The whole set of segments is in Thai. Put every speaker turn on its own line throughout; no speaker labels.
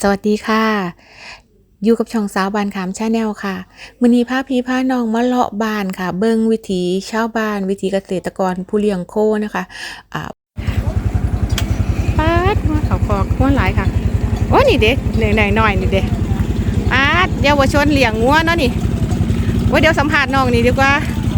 สวัสดีค่ะอยู่กับช่องสาวบ้านขามชาแนลค่ะมื้อนี้พาพี่พาน้องมาเลาะบ้านค่ะเบิ่งวิถีชาวบ้านวิถีเกษตรกรผู้เลี้ยงโคนะคะป๊าดว่าเขาคอกว่าหลายค่ะโอ้นี่เด็กหน่อยนี่เด็กป๊าดเยาวชนเลี้ยงงัวเนาะนี่ว่าเดี๋ยวสัมภาษณ์น้องนี่ดีกว่า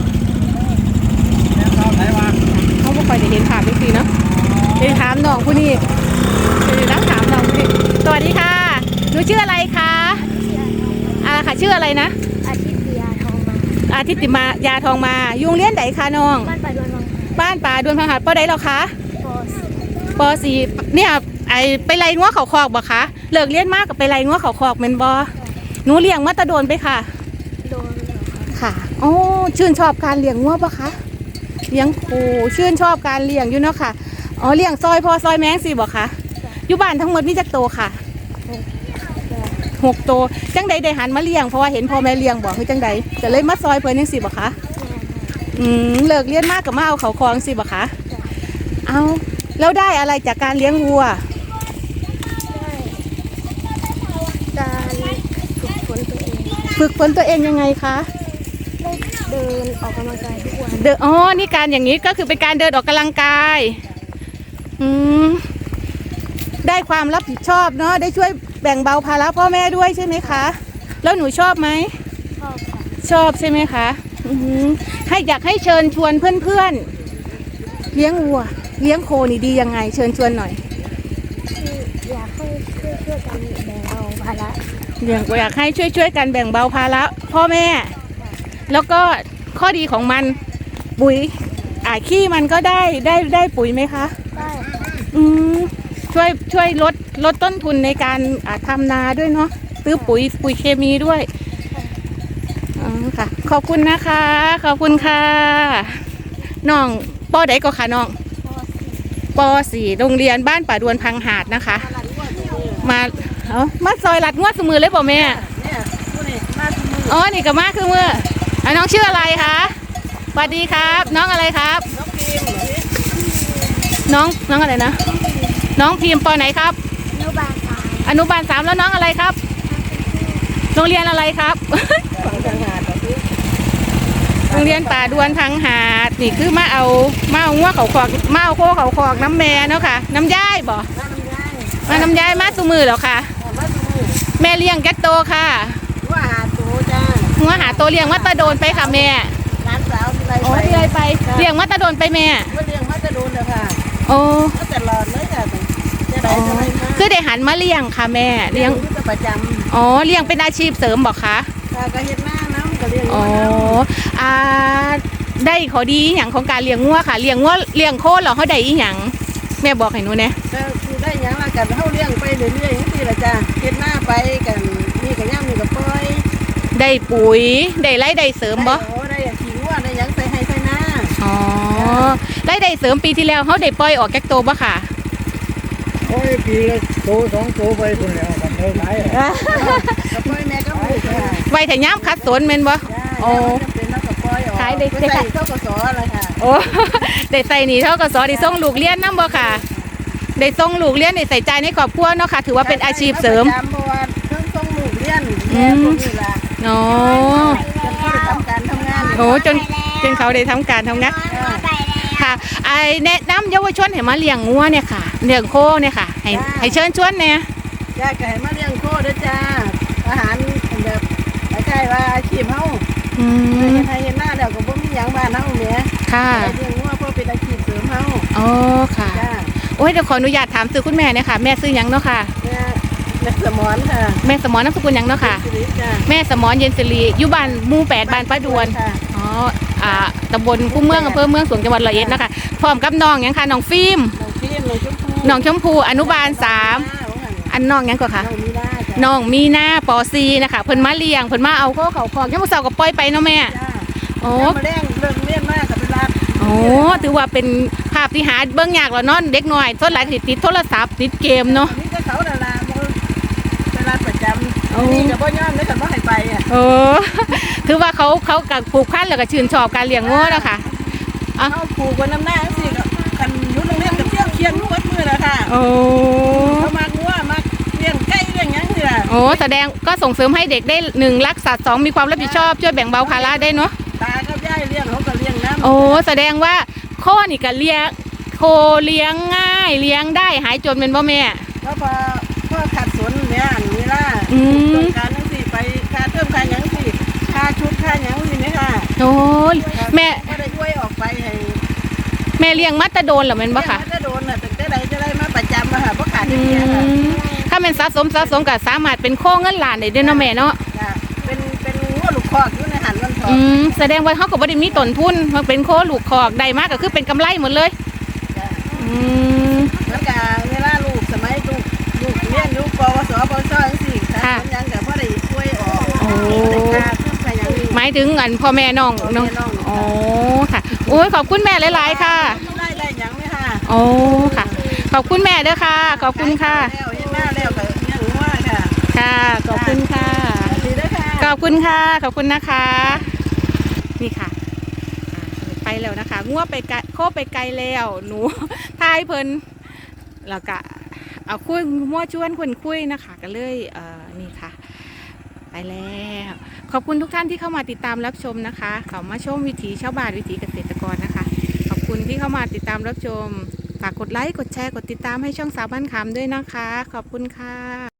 เขาไม่ค่อยได้เห็นภาพจริงๆเนาะเดี๋ยวถามน้องผู้นี้เดี๋ยวถามน้องผู้นี้สวัสดีค่ะหนูชื่ออะไรคะค่ะชื่ออะไรนะอาทิตติมายาทองมายุงเลี้ยนไหนคะน้องบ้านป่าดวนพังหัดป้าใดหรอคะป.4เนี่ยไปไล่งัวเขาคอกบ่คะเลิกเลี้ยนมากกับไปไล่งัวเขาคอกเมนบอหนูเลี้ยงมาตะโดนไปค่ะค่ะโอ้ชื่นชอบการเลี้ยงงัวปะคะเลี้ยงโคชื่นชอบการเลี้ยงอยู่เนาะค่ะอ๋อเลี้ยงซอยพอซอยแมงสิบ่คะอยู่บ้านทั้งหมดมีจักโตค่ะ6 โตจังใดได้หันมาเลี้ยงเพราะว่าเห็นพ่อแม่เลี้ยงบอกคือจังใดจะเลยมาซอยเพิ่นจังสิบ่คะเลิกเลี้ยงมากกับมาเอาเขาคลองสิบ่คะเอาแล้วได้อะไรจากการเลี้ยงวัว
การ
ฝึกฝนตัวเองยังไงคะ
เดินออกกำลังกายทุกวัน
นี่การอย่างนี้ก็คือเป็นการเดินออกกำลังกายได้ความรับผิดชอบเนาะได้ช่วยแบ่งเบาภาระพ่อแม่ด้วยใช่ไหมคะแล้วหนูชอบไหมชอบใช่ไหมคะอยากให้เชิญชวนเพื่อนๆเลี้ยงวัวเลี้ยงโคนี่ดียังไงเชิญชวนหน่อย
อยากให้ช่วยกันแบ่งเบาภาระ
อยากให้ช่วยกันแบ่งเบาภาระพ่อแม่แล้วก็ข้อดีของมันปุ๋ยขี้มันก็ได้ปุ๋ยไหมคะ
ได้
ช่วยลดต้นทุนในการทำนาด้วยเนาะซื้อปุ๋ยเคมีด้วยค่ะขอบคุณนะคะขอบคุณค่ะน้องป.ใดก็ค่ะน้องป.4โรงเรียนบ้านป่าดวนพังหาดนะคะมาซอยลัดงวดสมือเลยป่ะแม่อ๋อนี่กับมาคือมือน้องชื่ออะไรคะสวัสดีครับน้องอะไรครับน้องอะไรนะน้องพิมพ์ป.ไหนครับอนุบาล 3แล้วน้องอะไรครับโรงเรียนอะไรครับโรงเรียนป่าดวนพังหาดนี่คือมาเอางัวเขาคอกมาเอาโคเขาคอกน้ำแม่เนาะค่ะน้ำย่ายบ่มาน้ำย่ายมาสุมือแล้วค่ะแม่เลี้ยงแกตโตค่ะงัวหาโตเลี้ยงมาตะโดนไปค่ะแม่
ร้านสาว
เลี้ยงไปเลี้ยงมาตะโดนไปแม่
เลี้ยงมาตะโดนเลยค่ะ
โอ้
ตลอดเลยค่ะ
คือได้หันมาเลี้ยงค่ะแม่เลี้ยง
ประจ
ำเลี้ยงเป็นอาชีพเสริมบอกคะ
ก็เห็นหน้าน้ำก็เลี้ยง
ได้ขอดีอย่างของการเลี้ยงงัวค่ะเลี้ยงงัวเลี้ยงโคเหรอเขาได้อีหยังแม่บอกให้หนูเนี่ย
ได้ยังละกันเขาเลี้ยงไปเรื่อยๆนี่แหละจ้ะเห็นหน้าไปกันนี่กับย่างนี่กับปอย
ได้ปุ๋ยได้ไรได้เสริมบ่
ได้ขี้งัวได้ยังใส่ให้ใส่หน้า
ได้เสริมปีที่แล้วเขาได้ปล่อยออกแก๊กโตบ่ค่ะ
ปีละโต2 โตไปคนแล้วกันเท่าไหร่
ปอยแม่ก็
ไว้แต่ย่ำคัดสนเมนบ่
ขายได้เท่ากับสออะไรค่ะ
ได้ใส่หนีเท่ากับสอได้ส่งลูกเลี้ยนน้ำบ่ค่ะได้ส่งลูกเลี้ยนได้ใส่ใจในครอบครัวเนาะค่ะถือว่าเป็นอาชีพเสริม
ส่งลูกเลี้ยนแม่คนนี้ละทำการทำงาน
จนเขาได้ทำการทำงานค่ะแนะนำเยาวชนให้มาเลี้ยงงัวเนี่ยค่ะเลี้ยงโคเนี่ยค่ะให้เชิญชวนเนี่ย
จ้าไก่มาเลี้ยงโคด้วยจ้าอาหารแบบใช่ว่าอาชีพเฮาไทยเห็นหน้าเดี๋ยวก็บ่มีหยังบ้านเฮาแหม
ค่ะ
เลี้ยงงัวเพื่อเป็นอาชีพเสริมเฮา
ค่ะโอ้ยเดี๋ยวขออนุญาตถามซื้อคุณแม่เนี่ยค่ะแม่ซื้อหยังเนาะค่ะ
แม่สมรค่ะ
แม่สมรนามสกุลหยังเนาะค่ะแม่สมรเย็นสิริอยู่บ้านหมู่ 8บ้านป้าดวนตำบลคู่เมืองอำเภอเมืองสวงจังหวัดร้อยเอ็ดนะคะพร้อมกับน้องยังค่ะน้องฟิล์มน้องชมพูอนุบาล 3อันน้องยังก่อนค่ะน้องมีหน้าป.4นะคะเพิ่นมาเลี้ยงเพิ่นมาเอาเขาคอกยังมื้อเช้าก็ปล่อยไปเนาะแม่
มาเลี้ยงเลี้ยงมากกับเป็นรั
ดถือว่าเป็นภาพที่หาเบิ่งยากแล้วเนาะเด็กน้อยส่วนหลายติดโทรศัพท์ติดเกมเนาะ
นี่ก็เขาดาราเป็นร้านประจำนี่ก็บ่ยอมได้แต่บ่ให้ไป
ถือว่าเขากับปลูกพันธุ์แล้วก็ชื่นชอบการเลี้ยงงัวแล้วค่ะ
เขาปลูกบนน้ำหน้าสิกันยุ่งโรงเรียนกับเที่ยวเคียนวัดมือแล้วค่ะเขามางัวมาเลี้ยงไก่เลี้ยงยัง
โอ้แสดงก็ส่งเสริมให้เด็กได้1รักสัตว์2มีความรับผิดชอบช่วยแบ่งเบาภาระได้เนาะ
ตากับยายเลี้ยงเขาก็เลี้ยงน้ำ
โอ้แสดงว่าโคนี่ก็เลี้ยงโคเลี้ยงง่ายเลี้ยงได้หายจนเป็นบ่แม่
ก็พอขัดสนเนี่ยอันนี้ล่ะ
อืม
ต้องการทั้งสี่ไปค่าเติมค่าหยังสี่ค่าชุดค่าหยังสิไหมค่ะ
โอ้ยแม่
ก็ได้ช่วยออกไปให้
แม่เลี้ยงมัตตะโดนเหรอแม่นบ่ค่ะ
จะโดนน่ะแต่ได้จะได้มาประจำมาค่ะเพราะขาด
อื
เงี้ยค่ะ
มถ้าเป็นสะสมก็สามารถเป็นโคเงินล้านได้เด้อเนาะแม่เนาะ
จ้ะเป็นงัวลูกคอกอยู่ในหันวันทอง
แสดงว่าเขาก็บ่ได้มีต้นทุนมันเป็นโคลูกคอกได้มากก็คือเป็นกำไรหมดเลย
จ้ะ
อืม
แล้วก็เวลาลูกสมัยลูกเรียนอยู่ปวสปวชจังซี่ค่ะ
ค่ะ
ยังก็บ่ได้ช่วยออก
โอ้
ได้ค่าเติมค่าหยังนี่
หมายถึงอันพ่อแม่น้อง
พ่อแม่น้อง
อ๋อค่ะโอ้ยขอบคุณแม่หลายๆค่ะ
ได้หยังไหมค่ะ
โอ้ค่ะ ขอบคุณแม่เด้อค่ะ ขอบคุณค่ะ
แล้วเฮ็ดหน้าแล้วก็ยังว่าค่ะ
ค่ะ ขอบคุณค่ะ
ดีเด้อค่ะ
ขอบคุณค่ะ ขอบคุณนะคะ นี่ค่ะไปแล้วนะคะงัวไปไกลโคไปไกลแล้วหนู ทายเพิ่นแล้วก็เอาคุยมั่วชวนคนคุยนะคะก็เลยนี่ค่ะ ไปแล้ว ขอบคุณทุกท่านที่เข้ามาติดตามรับชมนะคะเขามาชมวิถีชาวบ้านวิถีเกษตรกรนะคะ ขอบคุณที่เข้ามาติดตามรับชมฝากกดไลค์กดแชร์กดติดตามให้ช่องสาวบ้านคำด้วยนะคะ ขอบคุณค่ะ